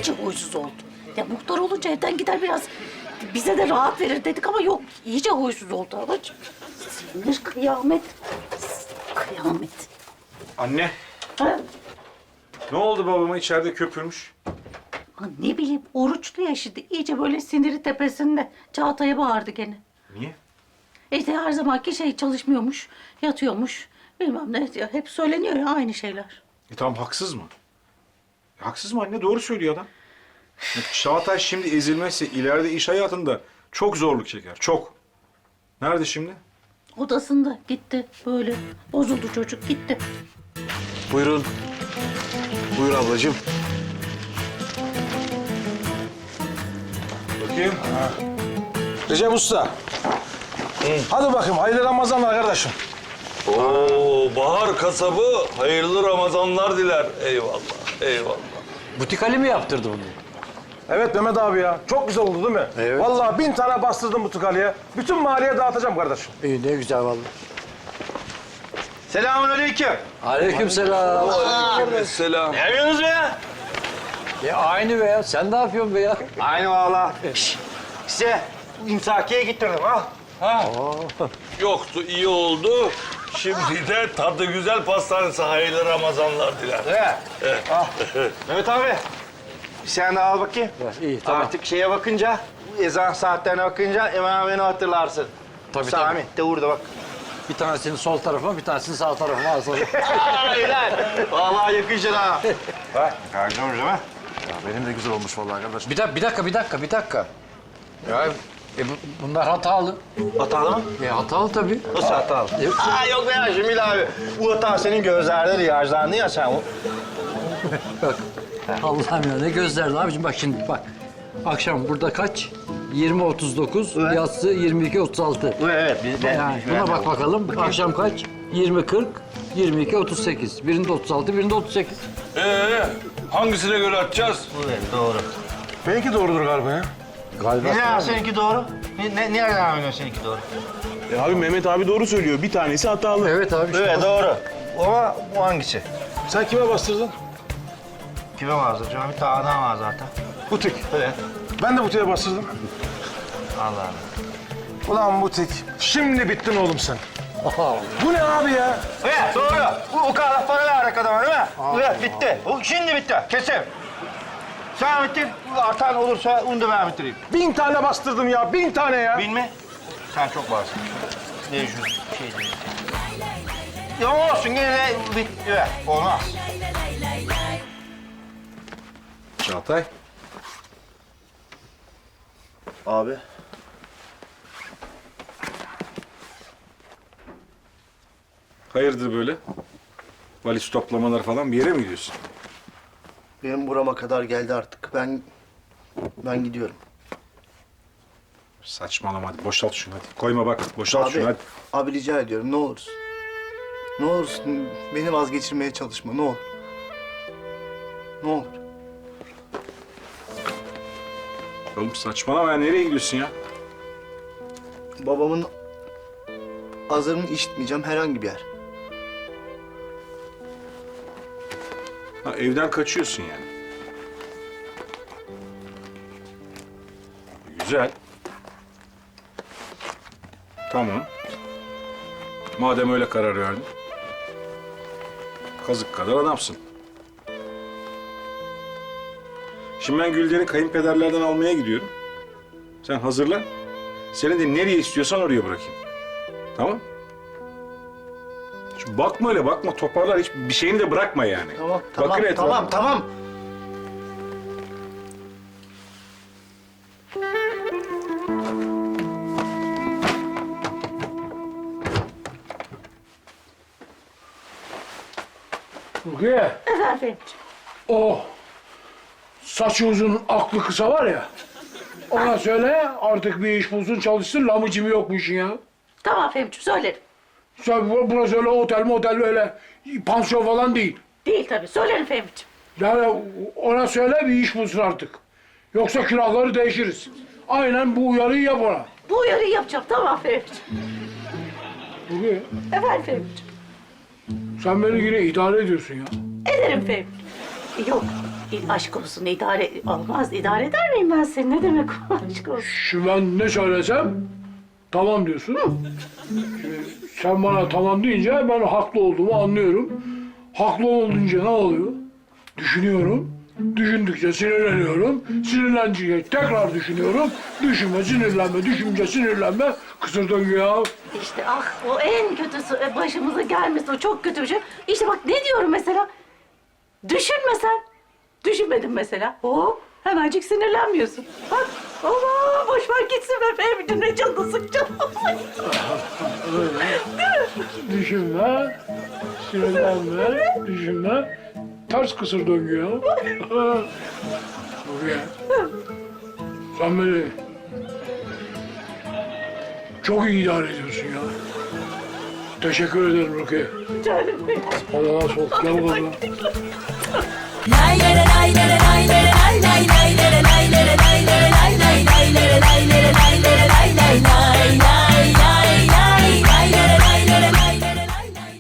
iyice huysuz oldu. Ya muhtar olunca evden gider biraz bize de rahat verir dedik ama yok iyice huysuz oldu anacığım. Sinir kıyamet. Kıyamet. Anne, Ha? ne oldu babama içeride köpürmüş? Ha, ne bileyim oruçlu ya şimdi iyice böyle siniri tepesinde. Çağatay'a bağırdı gene. Niye? İşte her zamanki şey çalışmıyormuş, yatıyormuş. Bilmem ne ya, hep söyleniyor ya aynı şeyler. Tamam haksız mı? Haksız mı anne? Doğru söylüyor adam. Çağatay şimdi ezilmezse ileride iş hayatında çok zorluk çeker. Çok. Nerede şimdi? Odasında gitti böyle bozuldu çocuk gitti. Buyurun. Buyur ablacığım. Bakayım. Recep Usta. Hadi bakayım hayırlı Ramazanlar kardeşim. Oo, Bahar kasabı hayırlı Ramazanlar diler. Eyvallah, eyvallah. Butik Ali mi yaptırdı bunu? Evet Mehmet abi ya. Çok güzel oldu değil mi? Evet. Vallahi 1000 tane bastırdım bu tıkalıya. Bütün mahalleye dağıtacağım kardeşim. İyi, ne güzel vallahi. Selamünaleyküm. Aleykümselam. Selam. Ne yapıyorsunuz be ya? Aynı be ya. Sen ne yapıyorsun be ya? Aynı valla. Size imsakiye getirdim ha. Yoktu, iyi oldu. Şimdi de tadı güzel pastanesi hayırlı Ramazanlar diler. Evet. Ah. Mehmet abi. Sen de al bakayım. İyi, tamam. Artık şeye bakınca, ezan saatlerine bakınca hemen beni hatırlarsın. Tabii, Sami de burada bak. Bir tanesini sol tarafıma, bir tanesini sağ tarafıma alsana. Aynen. Vallahi yakışır ha. Bak, gördünüz değil mi? Benim de güzel olmuş vallahi kardeşim. Bir dakika. Ya bunlar hatalı. Hatalı mı? Hatalı tabii. Nasıl hatalı? Yok be ya Cemil abi. Bu hata senin gözlerde riyajlandı ya sen. Bak. Allah'ım ya ne gözlerdi abicim bak şimdi bak. Akşam burada kaç? 20.39, Evet. yatsı 22.36. Evet. Biz Yani buna bak bakalım. Akşam kaç? 20.40, 22.38. Birinde 36, birinde 38. Hangisine göre atacağız? Evet, doğru. Benimki doğrudur galiba ya. Galiba. Ne ya seninki doğru? Nereden anlıyorsun seninki doğru? Abi Mehmet abi doğru söylüyor. Bir tanesi hatalı. Evet abi işte. Evet doğru. Ama bu hangisi? Sen kime bastırdın? Kime vardı? Bir tane adam var zaten. Butik. Evet. Ben de butiğe bastırdım. Allah Allah. Ulan butik. Şimdi bittin oğlum sen. Bu ne abi ya? Evet doğru. Bu o kadar para verdik adama değil mi? Evet bitti. Bu şimdi bitti. Kesin. Sen bitir. Artan olursa onu da ben bitireyim. 1000 tane bastırdım ya. 1000 tane ya. Bilme. Sen çok varsın. Ne şu şey değil. Ya olsun yine de bit. Evet olmaz. Çağatay. Abi. Hayırdır böyle? Valiz toplamalar falan bir yere mi gidiyorsun? Benim burama kadar geldi artık. Ben gidiyorum. Saçmalama hadi boşalt şunu hadi. Koyma bak boşalt şunu hadi. Abi rica ediyorum ne olursun. Ne olursun beni vazgeçirmeye çalışma ne olur. Ne olur. Oğlum saçmalama ya nereye gidiyorsun ya? Babamın azarını işitmeyeceğim herhangi bir yer. Ha, evden kaçıyorsun yani. Güzel. Tamam. Madem öyle karar verdin. Kazık kadar adamsın. Şimdi ben Gülden'i kayınpederlerden almaya gidiyorum. Sen hazırlan. Seni de nereye istiyorsan oraya bırakayım. Tamam? Şu bakma öyle bakma toparlar hiç bir şeyini de bırakma yani. Tamam Bakın etrafına. tamam. Rukiye. Efendim. O saçı uzun aklı kısa var ya. Ona söyle artık bir iş bulsun çalışsın. Lamıcım yok bu işin ya. Tamam Fehmiciğim söylerim. Sen burası öyle otel öyle pansiyon falan değil. Değil tabii söylerim Fehmiciğim. Yani ona söyle bir iş bulsun artık. Yoksa külahları değişiriz. Aynen bu uyarıyı yap ona. Bu uyarıyı yapacağım tamam Fehmiciğim. Rukiye Efendim Fehmiciğim. sen beni yine idare ediyorsun ya. Ederim Fehmiciğim. Yok Aşk olsun idare olmaz. İdare eder miyim ben seni? Ne demek o aşk olsun? Şimdi ben ne söylesem tamam diyorsun. Şimdi sen bana tamam deyince ben haklı olduğumu anlıyorum. Haklı olunca ne oluyor? Düşünüyorum. Düşündükçe sinirleniyorum. Sinirlenince tekrar düşünüyorum. Düşünme, sinirlenme, düşünce, sinirlenme. Kısır döngü ya. İşte ah o en kötüsü başımıza gelmesi o çok kötü bir şey. İşte bak ne diyorum mesela? Düşünme sen. Düşünmedin mesela. Hop hemencik sinirlenmiyorsun. Bak aman boş ver gitsin be Fehmi'cim ne canını sıkacağım. Düşünme, sinirlenme, düşünme. Ters kısır döngü ya. Rukiye, sen beni çok iyi idare ediyorsun ya. Teşekkür ederim Rukiye. Canım benim. Hadi nasıl ol? Gel bakalım. Lay lay lay lay lay.